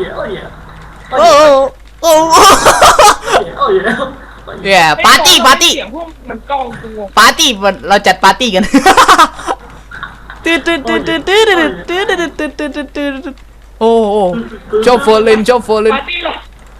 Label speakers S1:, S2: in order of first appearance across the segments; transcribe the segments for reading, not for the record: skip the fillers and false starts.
S1: โอ้โอ้เนี่ยปาร์ตี้
S2: เสียงพวกมันกล้องกู
S1: ปาร์ตี้เราจัดปาร์ตี้กันตื้อโอ้ชอบโฟลินชอบโฟลิน
S2: ปาร์ตี้หรอ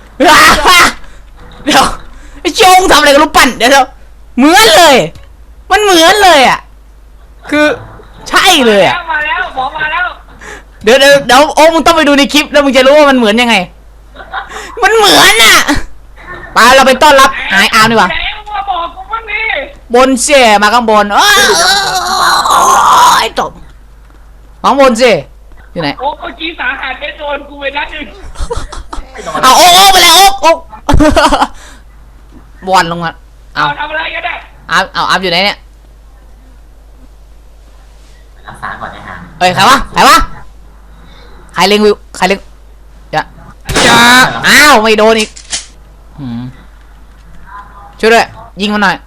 S1: เดี๋ยวไอ้โจงทำอะไรกับลูกปั้นเดี๋ยวเหมือนเลยมันเหมือนเลยอ่ะคือใช่เลยอ่ะ
S2: มาแล้วหมอมาแล้ว
S1: เดี๋ยวโอ้มึงต้องไปดูในคลิปแล้วมึงจะรู้ว่ามันเหมือนยังไงมันเหมือนอ่ะไปเราไปต้อนรับหายอาร์มดีกว่า
S2: มาบอกกูบ้างดิ
S1: บนเสียมาข้างบนไอ้ตบข้างบนสิอยู่ไหน
S2: โอ้เมื่อกี้สาหัสไปโดนกูไปนัดหนึ่ง
S1: เอาโอ๊กไปเลยโอ๊กบอลลงมา
S2: เอาทำอะไรกันเนี่ย
S1: อาร์มอยู่ไหนเนี่ย
S3: รักษาก่อนนะฮะ
S1: เอ้ยใครวะใครเล็งวิวใครเล็งอย่าอ้าวไม่โดนอีกช่วยด้วยยิงมันหน่อย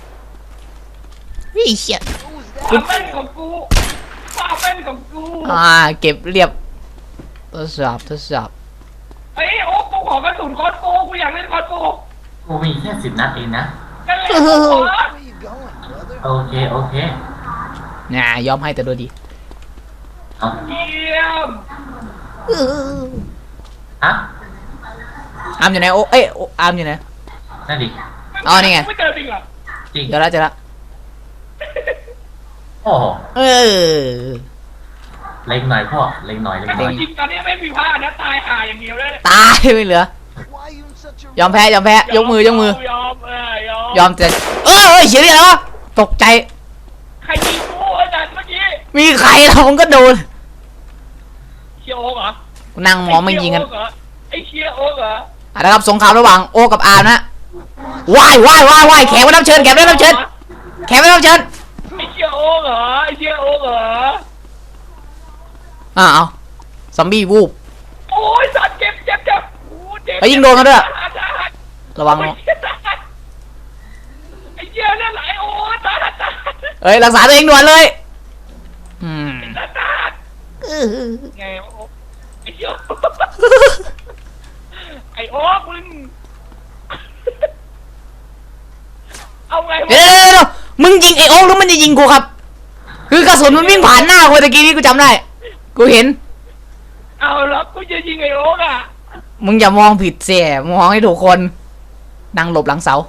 S1: วิ่งเชี่ย
S2: ความเป็นของกู
S1: เก็บเรียบทดสอบ
S2: เฮ้ยโอ้กูขอกระสุนคอนโกกูอยากเล่นคอนโก
S3: กูมีแค่10 นัดเองนะโอเค
S1: เนี่ยยอมให้แต่โดยดี
S2: เยี่ยม
S3: ฮะ
S1: อาร์มอยู่ไหนโอ้เอ้ยอาร์มอยู่ไหน
S3: นั่นดิ
S1: อ๋อนี่ไง
S2: ไม่เจอจริงเหรอ
S3: จริง
S1: เจอแล้ว
S3: โอ้โหเล็งหน่อยพ่อเล็งหน่อย
S2: จริงตอนนี้ไม่มีผ้านะตายหาอย่างเดียวเลย
S1: ตายไม่เหลือยอมแพ้ยกมือยอมแต่เฉียดแล้วตกใจ
S2: ใครยิงกูอาจารย์เมื่อกี้
S1: มีใครเราผมก็โดน
S2: เชียโอ๊กเหรอ
S1: นั่งมองมันยิงกัน
S2: ไอเชียโอ๊กเหรอ
S1: นะครับสงครามระหว่างโอกับอาร์นะว่ายแขกไม่รับเชิญไอ้เชีย
S2: โอ๊กเหรอ
S1: เอาซอมบี้วูบ
S2: โอ้ยสัตว์เจ็บ
S1: ไปยิงโดนกันด้วยระวัง
S2: ไอ้เชี่ยนั่นไหลโอ้ตาย
S1: เอ้ยรักษาตัวเองด่วนเลย
S2: ไงไอ้เชี่ยไอ้โอ๊กมึงเอาไง
S1: เดี๋ยวมึงยิงไอ้โอ๊กหรือมันจะยิงกูครับคือกระสุนมันวิ่งผ่านหน้ากูตะกี้นี้กูจำได้กูเห็น
S2: เอาแล้วกูจะยิงไอ้โอ๊กอ่ะ
S1: มึงอย่ามองผิดเสียมองให้ถูกคนนั่งหลบหลังเสา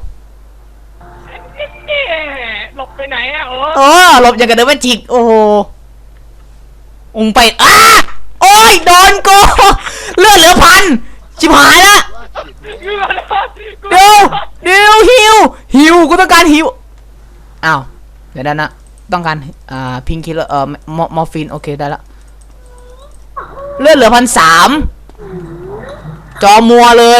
S2: หลบไปไหนอ่ะ
S1: หลบอย่างกับเดินมาจิกโอ้โหไปโอ้ยโดนกูเลือดเหลือพันชิบหายละเดี๋ยวหิวกูต้องการหิวอ้าวเดี๋ยวนะต้องการพิงคิลเลอร์มอร์ฟีนโอเคได้ละเลือดเหลือ1,300จอมัวเลย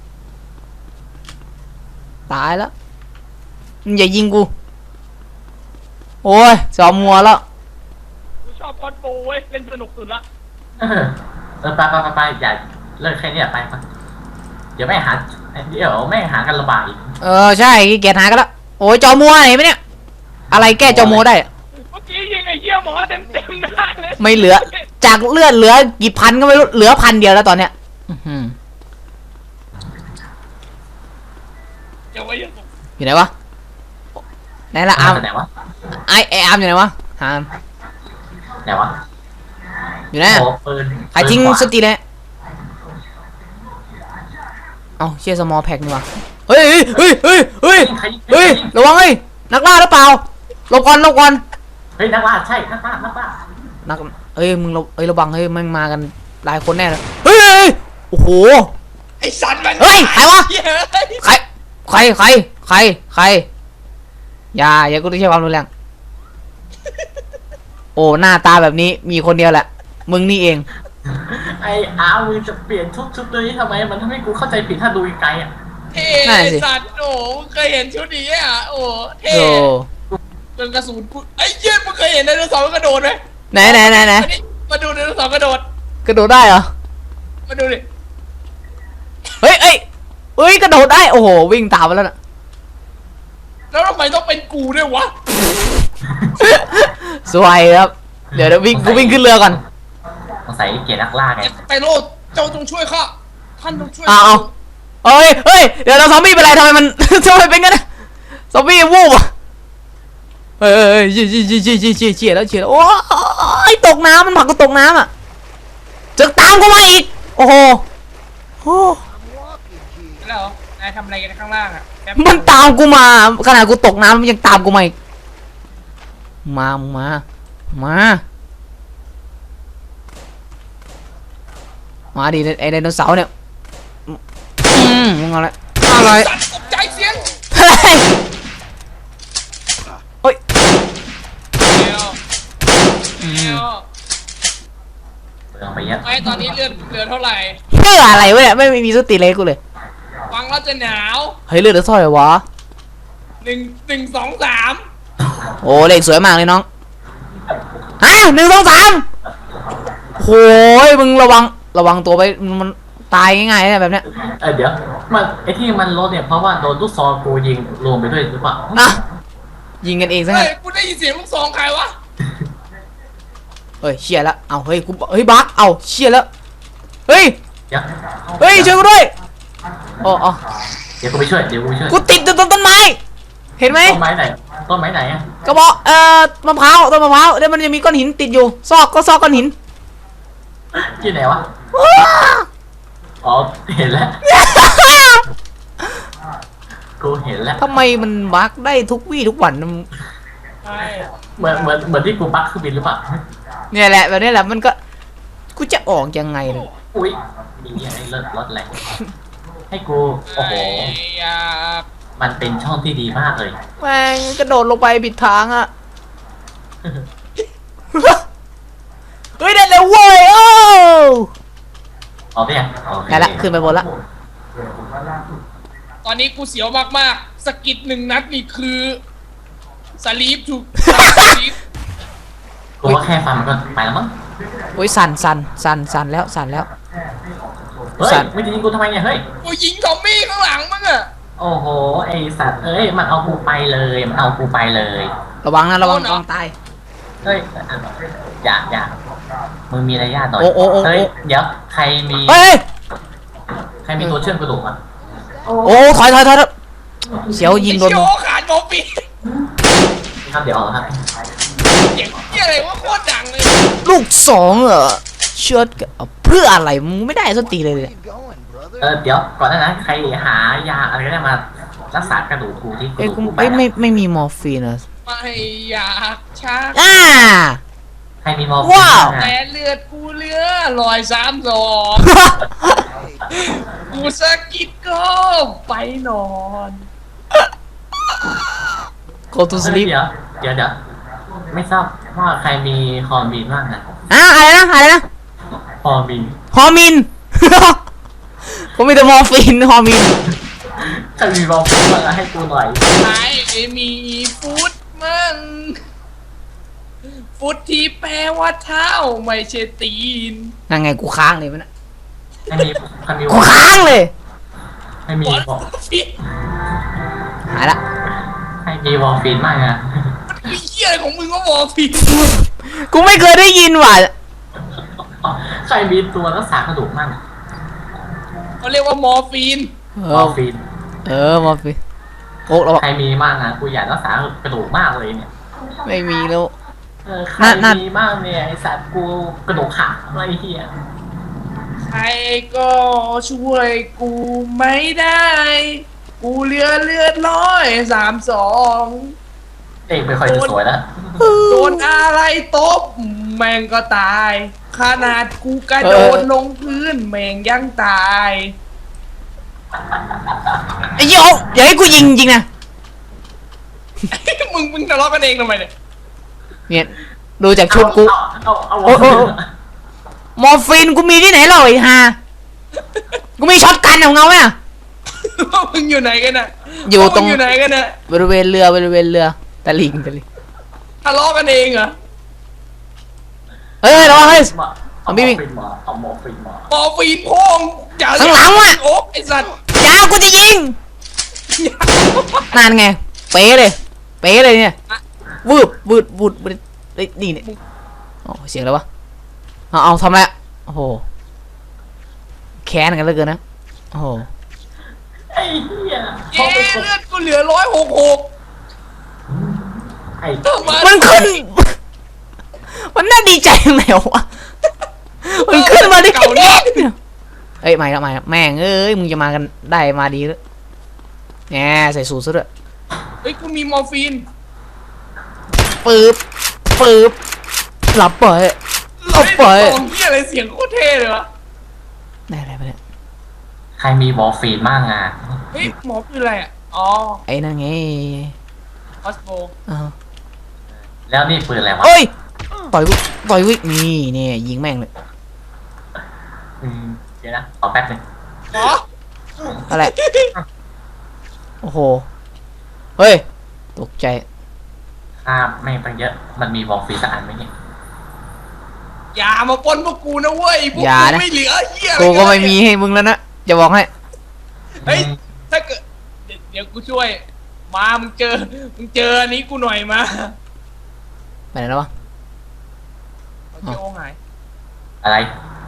S1: ตายแล้วอย่ายิงกูโอ้ยจอมัวแล้ว
S2: กูชอบคอนโบเว้ยเล่นสนุกสุดละ
S3: ไปอย่าเลิกแค่นี้ไปเดี๋ยวแม่หากันระบาดอีก
S1: ใช่เกียรหากันแล้วโอ้ยจอมัวเห็นไหมเนี่ยอะไรแก้จอมัวได้
S2: เมื่อกี้ยิงไอ้เหี้ยหมอเต็มหน้าเลย
S1: ไม่เหลือจากเลือดเหลือกี่พันก็ไม่รู้เหลือ1,000 เดียวแล้วตอนเนี้ยอยู่ไหนวะไหนละอาร์ม
S3: ไหนวะ
S1: ไออาร์มอยู่ไหนวะอาร์ม
S3: ไหนวะ
S1: อยู่ไหนใครทิ้งสติเลยเอาเชียร์สมอลแพ็กนี่วะเฮ้ยระวังนักล่าหรือเปล่าหลบก่อน
S3: เฮ้ยนักล่าใช่นักล่า
S1: มึงระวังมันมากันหลายคนแน่เลยเฮ้ยโอ้โห
S2: ไอ้สัตว์มัน
S1: ใครวะใครอย่ากูต้องใช้ความรุนแรงโอ้หน้าตาแบบนี้มีคนเดียวแหละมึงนี่เอง
S3: ไอ้มึงจะเปลี่ยนชุดตัวนี้ทำไมมันทำให้กูเข้าใจผิดถ้าดูไกลอ่ะ
S2: เท่สัตว์โอ้เคยเห็นชุดนี้อ่ะโอ้เท่เป็นกระสุนกูไอ้เหี้ยมึงเคยเห็นไดโนเสาร์กระโดดไหม
S1: ไหน
S2: มาดูไดโนเสาร์กระโดด
S1: ได้เหรอ
S2: มาดูดิ
S1: เฮ้ยกระโดดได้โอ้โหวิ่งตามไปแล้วน่ะ
S2: แล้วทำไมต้องเป็นกูด้วยวะ
S1: สวยครับเดี๋ยววิ่งขึ้นเรือก่อน
S3: สงสัยเกียร์นักล่าไง
S2: ไปโลดเจ้าจงช่วยข้าท่านจงช่วย
S1: เอาเฮ้ยเฮ้ยเดี๋ยวเราซอมบี้เป็นไรทำไมมัน ทำไมเป็นงั้นนะซอมบี้วูบอ่ะเฮ้ยเฉียดแล้วโอ้ยตกน้ำมันผลักกูตกน้ำอ่ะจะตามกูมาอีกโอ้โห
S2: แล้วนายทำอะไรกันข้างล่างอ่ะแป๊บ
S1: มันตามกูมาขนาดกูตกน้ำมันยังตามกูมาอีกมาดิไอไดโนเสาร์เนี่ยมึงเอาอะไร
S2: สัตว์ตกใจเสียง
S1: เฮ้ยเฮ้ย
S2: เดี๋ยว
S3: เรื่องไปเยอะ
S2: ไอ้ตอนนี้เลือดเท่าไหร่
S1: เพื่ออะไรวะเนี่ยไม่มีสติเลยกูเลย
S2: ฟังแล้วจะหนาว
S1: เฮ้ยเลือดเหลือเท่าไหร่วะ
S2: 1 2 3
S1: โอ้เลขสวยมากเลยน้องฮะ1 2 3โหยมึงระวังตัวไปมันตายง่ายๆเนี่ยแบบเนี้ย
S3: เดี๋ยวมันไอ้ที่มันลดเนี่ยเพราะว่าโดนลูกซองกูยิงรวมไปด้วยหรือเปล่า
S1: นะยิงกันเองซะ
S2: เฮ้
S1: งั้
S2: ย
S1: น
S2: กูได้ยินเสียงลูกซองใครวะ
S1: เฮ้ยเชี่ยแล้วเอาเฮ้ยกูเฮ้ยบักเอาเชี่ยแล้วเฮ้ย
S3: เดี๋ยว
S1: เฮ้ยช่วยกูด้วยอ๋อ
S3: เดี๋ยวกูไปช่วยเดี๋ยวกูไปช่วย
S1: กูติดอยู่ต้นไม้เห็นไหม
S3: ต้นไม้ไหนต้นไม้ไหนอ่ะ
S1: กระบอกมะพร้าวต้นมะพร้าวเดี๋ยวมันจะมีก้อนหินติดอยู่ซอกก้อนหิน
S3: ที่ไหนวะอ๋อเห็นแล้วกูเห็นแล้ว
S1: ทำไมมันบักได้ทุกวี่ทุกวัน
S2: ใช่
S3: เหมือนที่กูบักเครื่องบินหรือเปล่า
S1: เนี่ยแหละแบบนี้แหละมันก็กูจะออกยังไงเลย
S3: อุ้ยมีไอ้รถแหลกให้กูโอ้โห
S2: อยาก
S3: มันเป็นช่องที่ดีมากเลย
S1: แม่งกระโดดลงไปผิดทางอ่ะ เฮ้ยได้แล้วเว้ยโอ้
S3: เอาไปยังโอเค
S1: ได้ละขึ้นไปบนละ
S2: ตอนนี้กูเสียวมากๆสกิด1 นัดนี่คือสลีปถูกสลีป
S3: กูว่าแค่ฟันมันก็ไปแล้วมั้ง
S1: โอ้ยสั่นแล้ว
S3: เฮ้ย
S1: สัตว์
S3: ไม่จริงกูทำไมเนี่ยเฮ้ย
S2: กูยิงทอมมี่ข้างหลังมึงอะ
S3: โอ้โหไอสัตว์เอ้ยมันเอากูไปเลยมันเอากูไปเลย
S1: ระวังนะระวังตาย
S3: เฮ้ยอย่ามึงมีระยะหน่อย
S1: โอ้
S3: เฮ้ยเดี๋ยวใครมี
S1: เฮ้ย
S3: ใครมีตัวเชื่อมกระดูกอ่ะ
S1: โอ้ถอยเสียวยิงโดน
S2: ไอ้เชี่ยขาดบอปี
S3: ครับเดี๋ยวเอาครับ
S2: เจ๋งเหี้ยอะไรวะโคตรดังเลย
S1: ลูกสองเหรอเชิดเพื่ออะไรมึงไม่ได้สติเลย
S3: เดี๋ยวก่อนหน้านั้นใครหายาอะไรก็ได้มารักษากระดูกกูที่กระ
S1: เอ้ย
S3: ดูก
S1: กู
S3: กูไป
S1: ไม่มีมอร์ฟีนอะ
S2: ไม่อยากชัก
S3: ใครมีมอร์ฟีน
S1: ว้าว
S3: บ้ง
S2: แต่
S3: อะ
S2: เลือดกูเหลือ132กูสะกิดก็ไปนอน
S1: go to sleep
S3: เดี๋ยวไม่ทราบว่าใครมีฮอร์บีนบ้างนะ
S1: อะไรนะ
S3: ฮอร์บีน
S1: ฮอร์มิน ผมมีแต่มอร์ฟีนฮอร์มิน
S3: ใครมีมอร์ฟีนบ้างอะให้กูหน่อย
S2: ไอ้มีฟุตมั่งฟุตที่แปลว่าเท้าไม่ใช่ตีน
S1: นั่งไงกูค้างเลยมันอะ
S3: ใครมี
S1: กูค้างเลย
S3: ให้มี
S2: บอล
S3: บอก
S2: ฟิต
S1: หายละ
S3: ให้มีมอร์ฟีนบ้างอะ
S2: มันคือเหี้ยอะไรของมึงก็บอลฟิต
S1: กูไม่เคยได้ยินว่ะ
S3: ใครมีตัวรักษากระดูกบ้าง
S2: เขาเรียกว่ามอร์ฟีน
S3: มอร์ฟีน
S1: มอร์ฟีนโอ้เรา
S3: ใครมีบ้างอะกูอยากรักษากระดูกมากเลยเนี่ย
S1: ไม่มีแล้ว
S3: ใครมีบ้างเนี่ยไอสัตว์กูกระดูกหักอะไรเหี้ย
S2: ใครก็ช่วยกูไม่ได้ กูเลือด132
S3: เอกไม่ค่อยจะสวยแล้ว
S2: โดนอะไรตบแม่งก็ตาย ขนาดกูกระโดดลงพื้นแม่งยังตาย
S1: ไอ้โยอย่าให้กูยิงจริงนะ
S2: มึงทะเลาะกันเองทำไมเนี่ย
S1: เนี่ยดูจากชุดกู
S3: เอา
S1: โอ้มอร์ฟีนกูมีที่ไหนหรอไอ้ห่ากูมีช็อตกันของเงาไหมอะ
S2: มึงอยู่ไหนกันน่ะ
S1: อยู่ตรง
S2: มึอยู่ไหนกันน่ะ
S1: บริเวณเรือตะลิง
S2: ทะเลาะกันเองเหรอ
S1: เฮ้ยระวังเฮ้ย
S3: เอามอร์ฟีนมาเอามอร์ฟีนมา
S2: ปอฟีนพงอย่า
S1: ข้างหลังว่ะ
S2: โอ๊กไอ้สัตว์
S1: อย่ากูจะยิงนั่นไงเป๊ะเลยเนี่ยวืดเฮ้ยนี่เนี่ยอ๋อเสียงแล้ววะเอาทำไรโอ้โหแค้นกันเหลือเกินนะโอ้โห
S3: ไอ้เหี้ย
S2: เย้เลือดกูเหลือ166
S3: ไอ้
S1: มันขึ้น มันน่าดีใจยังไงวะมันขึ้นมาได้
S2: เก่าเนี่ย
S1: เอ้ยไม่แล้วแม่งเอ้ยมึงจะมากันได้มาดีแล้วแหมใส่สูทซะด้วย
S2: เฮ้ยกูมีมอร์ฟีน
S1: ปึ๊บหลับไปหลับไป
S2: ตองเหี้ยอะไรเสียงโคตรเท่เลยวะ
S1: ได้อะไรไปเนี่ย
S3: ใครมีมอร์ฟีนบ้างอ่ะ
S2: เฮ้ยหมอคืออะไรอ่ะอ๋อ
S1: ไอ้นั่นไง
S2: คอสโบ
S1: อ้าว
S3: แล้วนี่ปืนอะไรวะ
S1: เอ้ยต่อยวินี่เนี่ยยิงแม่งเลย
S3: เดี๋ยวนะขอแป๊บนึง
S2: หมอ
S1: อะไรโอ้โหเฮ้ยตกใจ
S3: ค่าไม่งตั้งเยอะมันมีมอร์ฟีนสักอันไหมเนี่ย
S2: อย่ามาปนพวกกูนะเว้ยพวก
S1: อย่า
S2: กู
S1: นะ
S2: ไม่เหลือเหี้ยอะไร
S1: กูก็ไม่
S2: เลย
S1: มีให้มึงแล้วนะจะบอกให้
S2: เฮ้ยถ้าเกิดเดี๋ยวกูช่วยมามึงเจออันนี้กูหน่อยมา
S1: ไปไหนแล้ววะ
S2: เอาเจโอหาย
S3: อะไร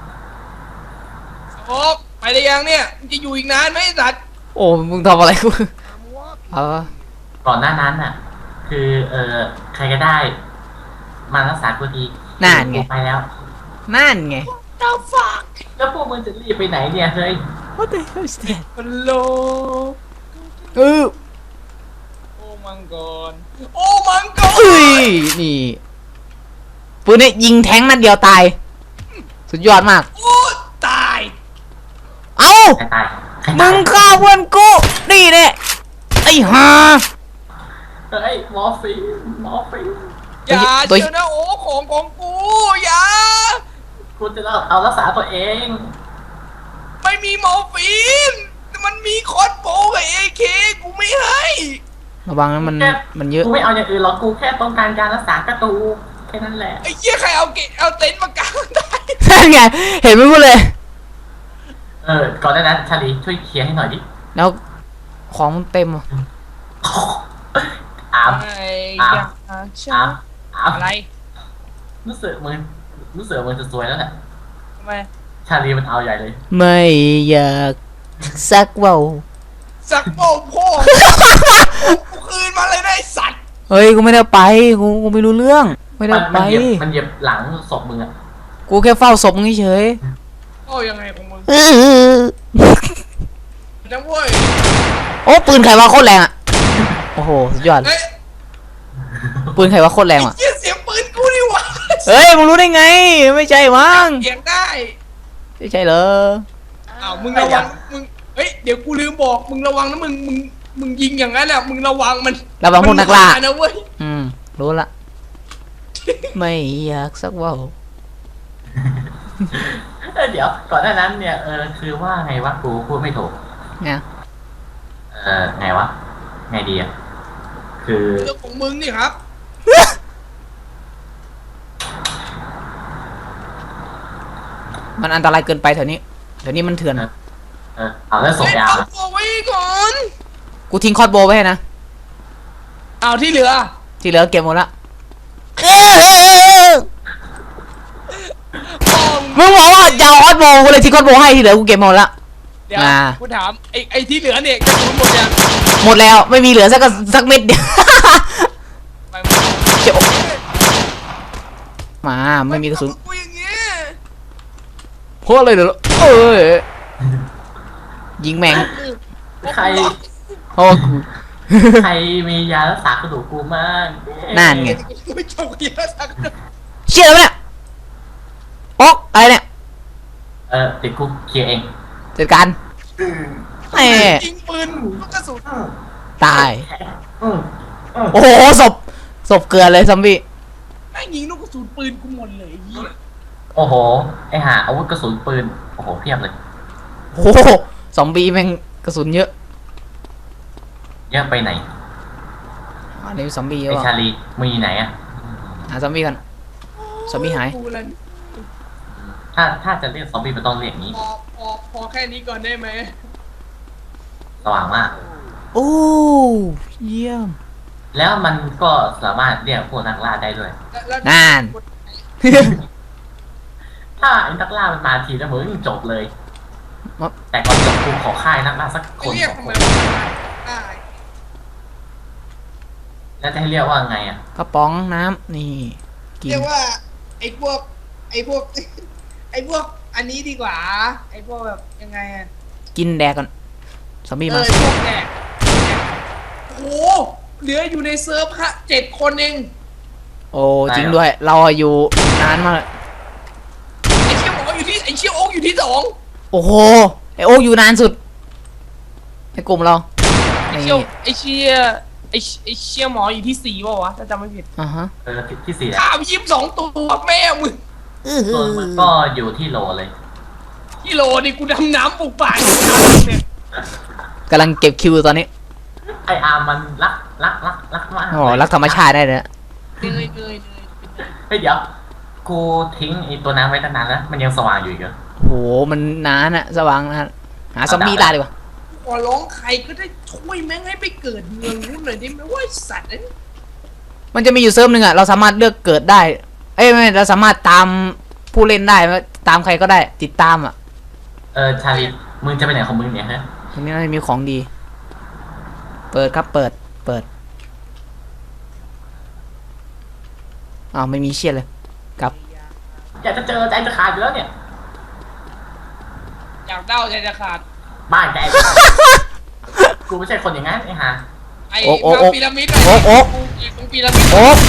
S2: โอ๊บไปได้ยังเนี่ยมึงจะอยู่อีกนานไหมไอ้สัตว์
S1: โอ้มึงทำอะไรกูเอาวะ
S3: ก่อนหน้านั้นน่ะ คือใครก็ได้ มารักษากูที
S1: นั่นไง
S3: กูไปแล้ว
S1: นั่นไง
S2: ดาวฟัก
S3: แล้วพวกมึงจะรีบไปไหนเนี่ยเฮ้ย
S1: What the hell is that
S2: ฮัลโหล
S1: เออ
S2: โอ้มังกรโอ้มังกร
S1: เอ้ยนี่ปืนเนี่ยยิงแทงนัดเดียวตาย สุดยอดมาก
S2: โอ้ตาย
S1: เอ้า
S3: ใครตายใคร
S1: มึ
S3: ตาย
S1: งฆ่าเพื่อนกูนี่เนี่ยไอ้ห่า
S3: เฮ้ยมอร์ฟีนมอร์ฟีน
S2: อย่า
S1: ตัว
S2: เชียวนะโอ้ของกูอย่า
S3: กูจะเอารักษาตัวเอง
S2: ไม่มีมอร์ฟีนมันมีคอสโบกับเอเคกูไม่ให้
S1: ระวังนะมันเยอะ
S3: กูไม่เอาอย่างอื่นหรอกกูแค่ต้องการการรักษากระตูแค่นั้นแหละ
S2: ไอ้เหี้ยใครเอาเต็นท์มากางได้
S1: นั่นไงเห็นไหมพูดเลย
S3: ก่อนหน้านั้นชาลีช่วยเคลียร์ให้หน่อยดิ
S1: แล้วของมันเต็มอ่ะ
S3: อาม
S2: ไอ้
S3: อาม
S2: ยา
S3: อาม
S2: ชา
S3: อาม
S2: อะไร
S3: รู้สึกมึงจะซวยแล้วแหละ
S2: ทำไม
S3: ชาลีมันเอาใหญ่เลย
S1: ไม่อยากซักเว่า
S2: สักโป้พ่อกูคืนมาเลยนะไอ้สัตว์
S1: เฮ้ยกูไม่ได้ไปกูไม่รู้เรื่องไม่ได้ไป
S3: มันเหยียบหลังศพมึงอะ
S1: กูแค่เฝ้าศพมึงเฉย
S2: โอ้ยังไงของมึง
S1: ๆ
S2: นะเว้ย
S1: โอ้ปืนใครวะโคตรแรงอ่ะโอ้โหสุดยอด
S2: เฮ้ย
S1: ปืนใครวะโคตรแรง
S2: ไอ้
S1: อ่ะ
S2: เหี้ยเสียงปืนกูนี่หวะ
S1: เฮ้ยมึงรู้ได้ไงไม่ใช่มั้ง
S2: เสียงได้
S1: ไม่ใช่เหรอ
S2: อ้าวมึงระวังมึงเฮ้ยเดี๋ยวกูลืมบอกมึงระวังนะมึงยิงอย่างนั้นอ่ะมึงระวังมัน
S1: ระวังพวกนักล่า
S2: นะเว้ย
S1: รู้ละไม่อยากซักเว่า
S3: เดี๋ยวก่อนหน้านั้นเนี่ยคือว่าไงวะกูพูดไม่ถูก
S1: เนี่ย
S3: ไงวะไงดีอะคือ
S2: เรื่องของมึงนี่ครับ
S1: มันอันตรายเกินไปแถวนี้มันเถื่อน
S3: เอาแล้วศพ
S2: เฮ้ย
S3: ยาว
S2: เอาตัวไว้ก่อน
S1: กูทิ้งคอร์ดโบไว้ให้นะ
S2: เอาที่เหลือ
S1: ที่เหลือเก็บหมดละ
S2: พ่อมึง
S1: มึงบอกว่าจะเอาคอร์ดโบกูเลยทิ้งคอร์ดโบให้ที่เหลือกูเก็บหมดละ
S2: เดี๋ยว
S1: อ่า
S2: กูถามไอ้ที่เหลือเนี่ยกระสุนหมดยัง
S1: หมดแล้วไม่มีเหลือสักเม็ดเดียว
S2: ไปมา
S1: เจ้ามาไม่มีกระสุน
S2: กูอย่างเงี้ย
S1: เพราะอะไรเดี๋ยวเอ้ยยิงแมง
S3: ใคร
S1: เพราะว่ากู
S3: ใครมียารักษากระดูกกูมาก
S1: นั่นไง
S2: ไม่จบเยอะสัก
S1: เชี่ยแล้วเนี่ยโอ๊กอะไรเนี่ย
S3: ติดคุกเคลียร์เอง
S1: จัดการแหม
S2: ยิงปืนลูกกระสุน
S1: ตาย
S3: อืม
S1: โอ้โหศพเกลือเลยซอมบี้
S2: แม่งยิงลูกกระสุนปืนกูหมดเลยไอ้เหี้ย
S3: โอ้โหไอหาอาวุธกระสุนปืนโอ้โหเพียบเลย
S1: โอ้โหซอมบี้แม่งกระสุนเยอะ
S3: เยอะไปไหน
S1: อันนี้ซอมบี้เย
S3: ไอ
S1: อะ
S3: ชาลีมึงอยู่ไหนอะ
S1: หาซอมบี้กันซอมบี้หาย
S2: กูละ
S3: ถ้าจะเรียกซอมบี้มันต้องเรียกอย่างนี้
S2: พอแค่นี้ก่อนได้ไหม
S3: สว่างมาก
S1: โอ้เยี่ยม
S3: แล้วมันก็สามารถเรียกพวกนักล่าได้ด้วย
S2: แล้ว
S1: นั่น
S3: ถ้าไอ้นักล่ามันมาทีแล้วมึงจบเลยแต่ก่อนจบกูขอค่ายนักล่าสักค
S2: ไม่
S3: น
S2: เรียก
S3: สอง
S2: ทำ
S3: ค
S2: ไม
S3: น
S2: ได้
S3: แล้วจะให้เรียกว่าไงอ่ะ
S1: กระป๋องน้ำนี่กิน
S2: เรียกว่าไอ้พวก ไอ้พวก ไอ้พวกอันนี้ดีกว่า ไอ้พวกแบบยังไงอะ
S1: กินแดกก่อนซอมบี้มา
S2: พวกแดกโอ้โหเหลืออยู่ในเซิร์ฟฮะ7 คนเอง
S1: โอ้จริงด้วย เราอยู่นานมากเลย
S2: ไอ้เชี่ยบอกว่าอยู่ที่ไอ้เชี่ยโอ๊กอยู่ที่2
S1: โอ้โหไอโอ๊กอยู่นานสุดในกลุ่มเรา
S2: ไอ้
S1: นี่
S2: เชี่ยไอ้เชี่ยไอ้เชี่ยหมออยู่ที่4ป่าวะถ้าจำไม่ผิด
S1: อ่าฮะ
S3: ที่สี่
S2: ข่าว22 ตัวแม่มึง
S3: ส่วนมึงก็อยู่ที่โลเลย
S2: กิโลนี่กูดำน้ำปลูกป่าอยู่เนี่ย
S1: กำลังเก็บคิวตอนนี้
S3: ไออาร์มมันรักมาก
S1: โอ้รักธรรมชาติได้เลยนะ
S2: เนย
S3: เฮ้ยเดี๋ยวกูทิ้งไอตัวน้ำไว้ตั้งนานแล้วมันยังสว่างอยู่อีกเหรอ
S1: โหมันนานอะสว่างนะหาซอมบี้ได้ดีกว่า
S2: ขอร้องใครก็ได้ช่วยแม่งให้ไปเกิดเมืองนู้นหน่อยได้ไหมว่าสัตว์เนี่ย
S1: มันจะมีอยู่เซิร์ฟหนึ่งอะเราสามารถเลือกเกิดได้ เอ้ยไม่เราสามารถตามผู้เล่นได้ตามใครก็ได้ติดตามอะ
S3: ชาลีมึงจะไปไหนของมึงเนี่ยฮะ
S1: ตรงนี้น่าจะมีของดี เปิดครับเปิดอ้าวไม่มีเชียร์เลยกลับ
S3: อยากจะเจอใจจะขาดอยู่แล้วเนี่ย
S2: อยากเด้าใจจะขาด
S3: บ้าใจ กูไม่ใช่คนอย่างนั้นไอ้ห่า
S2: ไอ้
S1: โอ๊ก
S2: มาพีระมิดหน่อย
S1: โอ๊ก
S2: ตรงพีระมิด
S1: โอ๊ก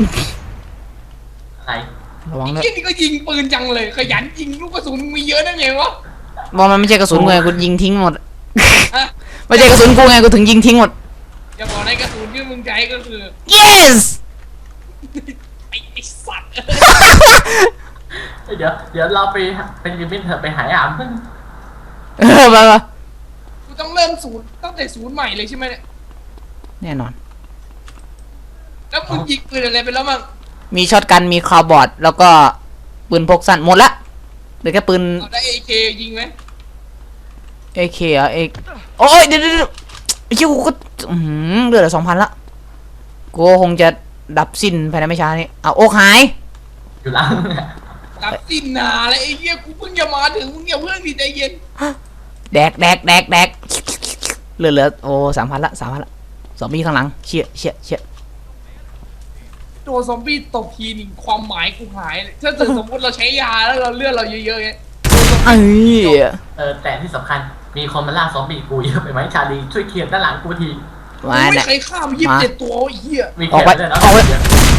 S3: อะไร
S1: ระวัง
S2: ไอ้
S1: ด้วย
S2: เหี้ยนี่ก็ยิงปืนจังเลยขยันยิงลูกกระสุนมีเยอะนั่นไงวะ
S1: มองมันไม่ใช่กระสุนกูไงกูยิงทิ้งหมด
S2: ฮะ
S1: ไม่ใช่กระสุนกูไงกูถึงยิงทิ้งหมด
S2: อย่าบอกในกระสุนที่มึงใช้ก็คือ
S1: yes
S2: ไอ้สัตว์
S3: เดี๋ยวเราไปเป็นยูมินเถอะไปหาไอ้อาร์มเพิ่ง
S1: มา
S2: กูต้องเริ่มศูนย์ตั้งแต่ศูนย์ใหม่เลยใช่ไหมเนี่ย
S1: แน่นอน
S2: แล้วมึงยิงปืนอะไรไปแล้วมั้ง
S1: มีช็อตกันมีคาร์บอร์ดแล้วก็ปืนพกสั้นหมดละเหลือแค่ปืน
S2: เอาได้ AK ยิงไหม
S1: AK อ่ะโอ้ยเดี๋ยวไอ้เชี่ยกูก็เหลือ2,000ละกูคงจะดับสิ้นภายในไม่ช้านี้เอาโอ๊กหาย
S3: อยู่หลัง
S2: รับสิ้นนาเลยไอ้เหี้ยกูเพิ่งจะมาถึงมึงอย่าเพิ่งดีใจเย็น
S1: แดกเหลือโอ้3,000ละซอมบี้ข้างหลังเชี่ย
S2: โดนซอมบี้ตบทีนึงความหมายกูหายเลยถ้าเกิดสมมติเราใช้ยาแล้วเราเลือดเราเยอะๆไง
S1: เอ้ย
S3: แต่ที่สำคัญมีคนมาล่าซอมบี้กูเยอะไปไหมชาลีช่วยเคลียร์ด้านหลังกูที
S1: มา
S2: ไม่
S1: เนี่ย
S2: เคยฆ่ามัน27 ตัวไอ้เหี้ย
S3: มีเคลียร์ด้วยนะ
S1: ออกไป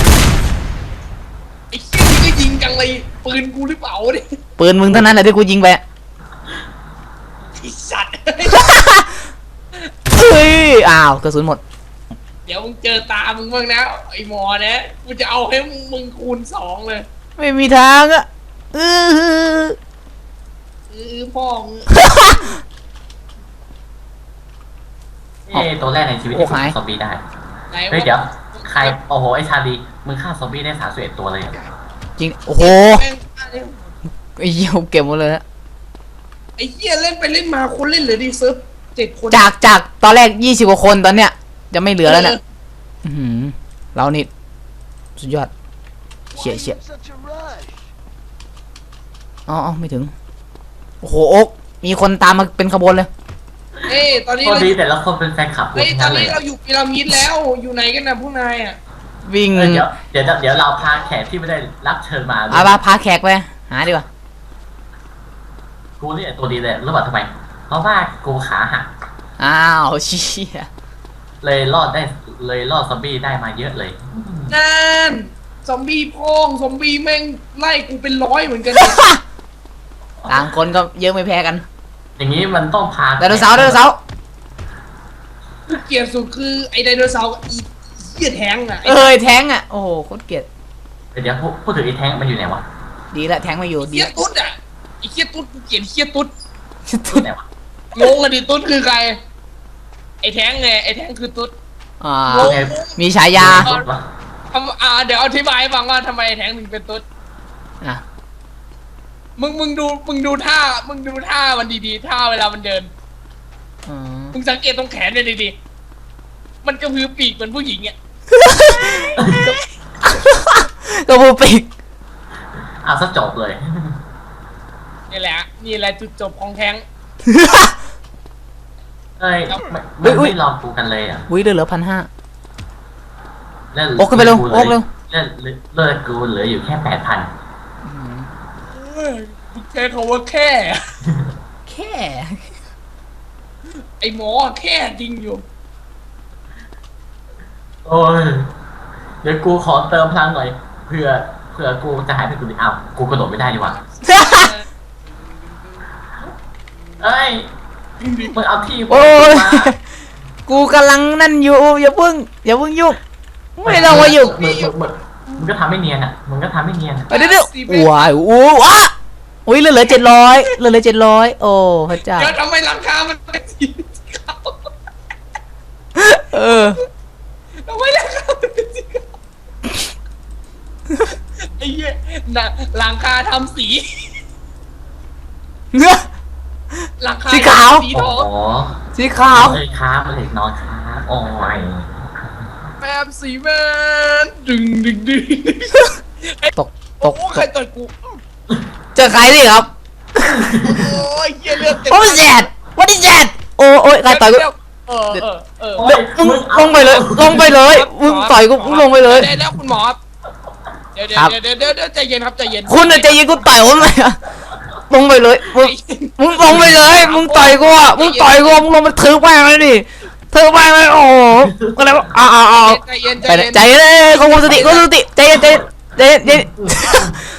S2: ไอ้เหี้ยนี่ก็ยิงจังเลยปืนกูหรือเปล่าเนี่ย
S1: ปืนมึงเท่านั้นแหละที่กูยิงไป
S2: ไอ้สัตว์
S1: เอ้ยอ้าวกระสุนหมด
S2: เดี๋ยวมึงเจอตามึงบ้างนะไอ้หมอนะกูจะเอาให้มึงคูณ2เลย
S1: ไม่มีทางอะ
S2: พ่อมึง
S3: ตัวแรกในชีวิตที่ฆ่าซอมบี้ได้
S2: ไหน
S3: เฮ้ยเดี๋ยวใครโอ้โหไอ้ชาลีมึงฆ่าซอมบี้ได้31 ตัวเลย
S1: จริงโอ้โห
S2: แม่งฆ่าได้
S1: ไอ้เหี้ยเก็บหมดเลยนะ
S2: ไอ้เหี้ยเล่นไปเล่นมาคนเล่นเหลือดีเซิร์ฟ7 คน
S1: จากตอนแรก20 กว่าคนตอนเนี้ยจะไม่เหลือแล้วเนี่ยอื้อหือเรานี่สุดยอดเชี่ยอ๋อไม่ถึงโอ้โหโอ๊กมีคนตามมาเป็นขบวนเลย
S2: เอ้ยตอนนี้
S3: คน
S2: เรา
S3: ดีแต่ละคนเป็นแฟนคลับกู
S2: เฮ้ยตอ
S3: ทั้
S2: น
S3: งนั้นเล
S2: นี้
S3: ย
S2: เราอยู่พีระมิดแล้วอยู่ไหนกันนะพวกนายอ่ะ
S1: วิ่ง
S3: เดี๋ยวเราพาแขกที่ไม่ได้รับเชิญมา
S1: เอาพาแขกไปหาดีกว่า
S3: กูนี่ตัวดีเลยรู้ป่ะทำไม เพราะว่ากูขาหัก
S1: อ้าวเชี่ย
S3: เลยรอดซอมบี้ได้มาเยอะเลย
S2: นั่นซอมบี้พองซอมบี้แม่งไล่กูเป็น100เหมือนกันเนี่ย
S1: ต่างคนก็เยอะไม่แพ้กัน
S3: อย่างนี้มันต้องพา
S1: ไดโนเสาร์
S2: เกลียดสุดคือไอ้ไดโนเสาร์กับอีเหี้ยแทงอ่ะ
S1: แทงอ่ะโอ้โหโคตรเกลียด
S3: เดี๋ยวพูดถึงไอ้แท้งมันอยู่ไหนวะ
S1: ดีละแทงมาอยู่ดี
S2: เหี้ยตุ๊ดอ่ะไอ้เหี้ยตุ๊ดกูเกลียดเหี้ยตุ๊ด
S3: อยู่ไหนวะ
S2: งงกันดิตุ๊ดคือใครไอ้แทงไงไอ้แทงคือตุ๊ด
S1: อ่า
S2: โอ้ย
S1: มีฉายา
S3: ตุ๊ดวะ
S2: เดี๋ยวอธิบายให้ฟังว่าทำไมไอ้แทงถึงเป็นตุ๊ด
S1: อ่ะ
S2: มึงดูท่ามันดีๆท่าเวลามันเดิน
S1: อืม
S2: มึงสังเกตตรงแขนเนี่ยดีๆมันกระพือปีกเหมือนผู้หญิงอ่ะ
S1: ก็พูดปิก
S3: เอาซะจบเลย
S2: นี่แหละจุดจบของแทง
S3: เอ้ยไม่ลองกูกันเลยอ่ะ
S1: อุ้ยเลือด1,500
S3: เลือด
S1: โอ๊กขึ้นไปเร็วโอ๊กเร็ว
S3: เลือดกูเหลืออยู่แค่8,000
S2: แค่เขาว่าแค่
S1: แค่
S2: ไอ้หมอแค่จริงอยู่
S3: โอ้ยเดี๋ยวกูขอเติมพลังหน่อยเผื่อกูจะหายไปกูดิอ้าวกูกระโดดไม่ได้ดีกว่าเอ้ยมึงเอาที่
S1: โอ้ย
S3: มา
S1: กูกำลังนั่นอยู่อย่าเพิ่งยุ่งไม่ต้องมายุ่ง
S3: มึงก็ทำไม่เนียนอ่ะมึงก็ทำไม่เนียนอะ
S1: เดี๋ยวว้ายว้าอุ้ยเหลือ700โอ้พระเจ้า
S2: เดี๋ยวทำไมหลังคามันเป็นสีขาว
S1: เออ
S2: ทำไมหลังคามันเป็นสีขาวไอ้เหี้ยน่ะหลังคาทำสี หลังคา
S1: สีขาว
S2: สีท
S3: อ๋
S2: อ
S3: อง
S1: สีขาว
S3: เลยครับเลยนอนครับโอ้ย
S2: แป๊บสีแมนดึงไอ้
S1: ตก
S2: โอ้ใครต่อยกู
S1: เจอใครดิครับ
S2: โอ้ยเหี้ยเลือดเต็ม
S1: โอ้ยแซดwhat is that โอ้ยใครต่อยกู
S2: เออ
S1: เดี๋ยวมึงลงไปเลยมึงต่อยกูมึงลงไปเลย
S2: ได้แล้วคุณหมอเดี๋ยวใจเย็นครับใจเย็น
S1: คุณน่ะใจเย็นกูต่อยผมเลยอะลงไปเลยมึงลงไปเลยมึงต่อยกูอ่ะมึงลงมาถือแป้งเลยดิถือแป้งเลยโอ้โหก็เลยว่าอ้าว
S2: ใจเย็น
S1: ใจเย็นเลยควบคุมสติใจเย็น